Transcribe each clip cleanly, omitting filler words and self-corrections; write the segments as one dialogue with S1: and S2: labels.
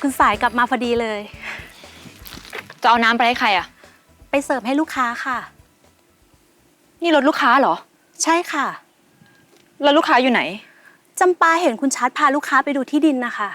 S1: คุณสายกลับมาพอดีเลย
S2: จะเอาน้ำไปให้ใครอะ
S1: ไปเสิร์ฟให้ลูกค้าค่ะ
S2: นี่รถลูกค้าเหรอ
S1: ใช่ค่ะ
S2: แล้วลูกค้าอยู่ไหน
S1: จำปาเห็นคุณชัดพาลูกค้าไปดูที่ดินนะคะ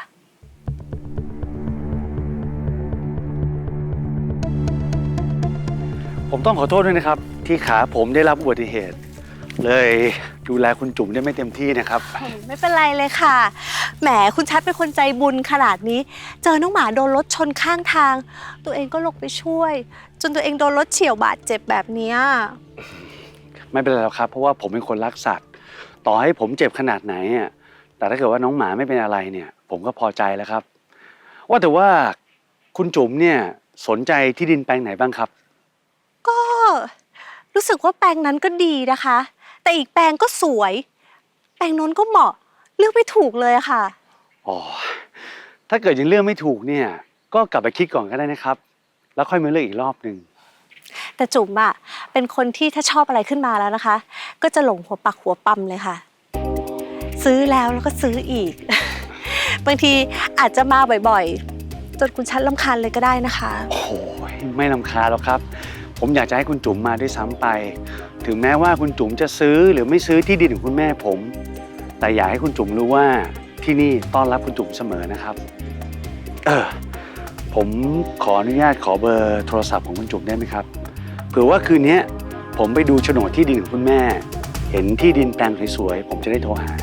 S3: ผมต้องขอโทษด้วยนะครับที่ขาผมได้รับอุบัติเหตุเลยดูแลคุณจุ๋มได้ไม่เต็มที่นะครับ
S1: ไม่เป็นไรเลยค่ะแหมคุณชัดเป็นคนใจบุญขนาดนี้เจอน้องหมาโดนรถชนข้างทางตัวเองก็ลงไปช่วยจนตัวเองโดนรถเฉี่ยวบาดเจ็บแบบนี้
S3: ไม่เป็นไรหรอกครับเพราะว่าผมเป็นคนรักสัตว์ต่อให้ผมเจ็บขนาดไหนอ่ะแต่ถ้าเกิดว่าน้องหมาไม่เป็นอะไรเนี่ยผมก็พอใจแล้วครับว่าแต่ว่าคุณจุ๋มเนี่ยสนใจที่ดินแปลงไหนบ้างครับ
S1: ก็รู้สึกว่าแปลงนั้นก็ดีนะคะแต่อีกแปลงก็สวยแปลงโน้นก็เหมาะเลือกไม่ถูกเลยค่ะ
S3: อ๋อถ้าเกิดยังเลือกไม่ถูกเนี่ยก็กลับไปคิดก่อนก็ได้นะครับแล้วค่อยมาเลือกอีกรอบหนึ่ง
S1: แต่จุ๋มอะเป็นคนที่ถ้าชอบอะไรขึ้นมาแล้วนะคะก็จะหลงหัวปักหัวปั๊มเลยค่ะซื้อแล้วก็ซื้ออีก บางทีอาจจะมาบ่อยๆจนคุณชัดรำคาญเลยก็ได้นะคะ
S3: โอ้โหไม่รำคาญหรอกครับผมอยากจะให้คุณจุ๋มมาด้วยซ้ำไปถึงแม้ว่าคุณจุ๋มจะซื้อหรือไม่ซื้อที่ดินของคุณแม่ผมแต่อยากให้คุณจุ๋มรู้ว่าที่นี่ต้อนรับคุณจุ๋มเสมอนะครับผมขออนุญาตขอเบอร์โทรศัพท์ของคุณจุ๋มได้ไหมครับเผื่อว่าคืนนี้ผมไปดูโฉนดที่ดินของคุณแม่เห็นที่ดินแปลงสวยๆผมจะได้โทรหา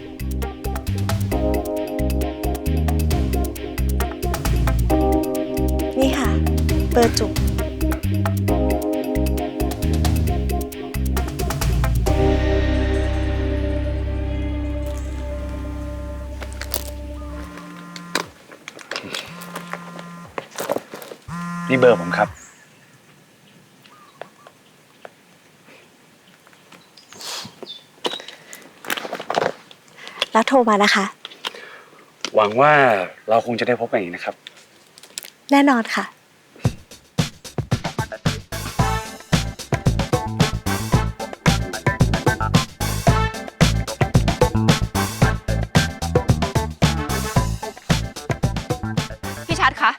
S1: นี่ค่ะเบอร์จุ๋ม
S3: นี่เบอร์ผมครับ
S1: แล้วโทรมานะคะ
S3: หวังว่าเราคงจะได้พบกันอีกนะครับ
S1: แน่นอนค่ะ
S2: พี่ชัดคะ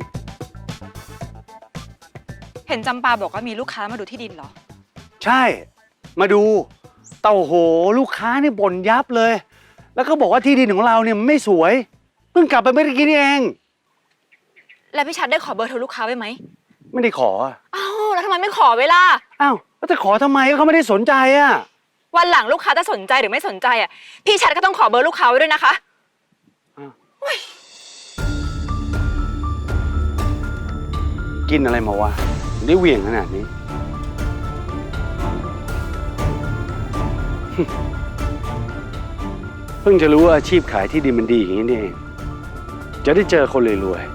S2: เห็นจำปาบอกว่ามีลูกค้ามาดูที่ดินเหรอ
S3: ใช่มาดูเต่าโหลูกค้านี่บ่นยับเลยแล้วก็บอกว่าที่ดินของเราเนี่ยไม่สวยเพิ่งกลับไปเมื่อกี้นี่เอง
S2: แล้วพี่ชัดได้ขอเบอร์โทรลูกค้าไว้ไหม
S3: ไม่ได้ขอ
S2: อ้าวแล้วทำไมไม่ขอเวลา
S3: อ้าวแล้วจะขอทำไมเขาไม่ได้สนใจอ่ะ
S2: วันหลังลูกค้าจะสนใจหรือไม่สนใจอ่ะพี่ชัดก็ต้องขอเบอร์ลูกค้าไว้ด้วยนะคะ
S3: กินอะไรมาวะได้เหวี่ยงขนาดนี้เพิ่งจะรู้ว่าอาชีพขายที่ดินมันดีอย่างนี้นี่เองจะได้เจอคนรวย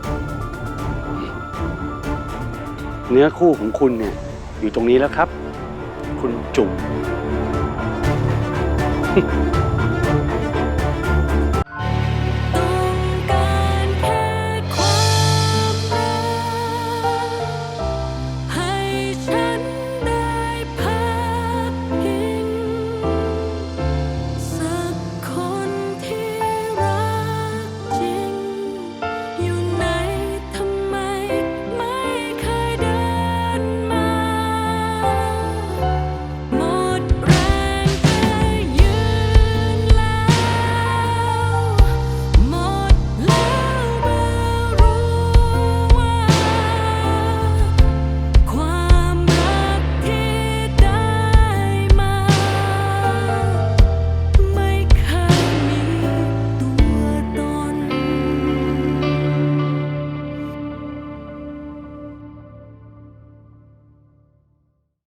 S3: ๆเนื้อคู่ของคุณเนี่ยอยู่ตรงนี้แล้วครับคุณจุ๋ม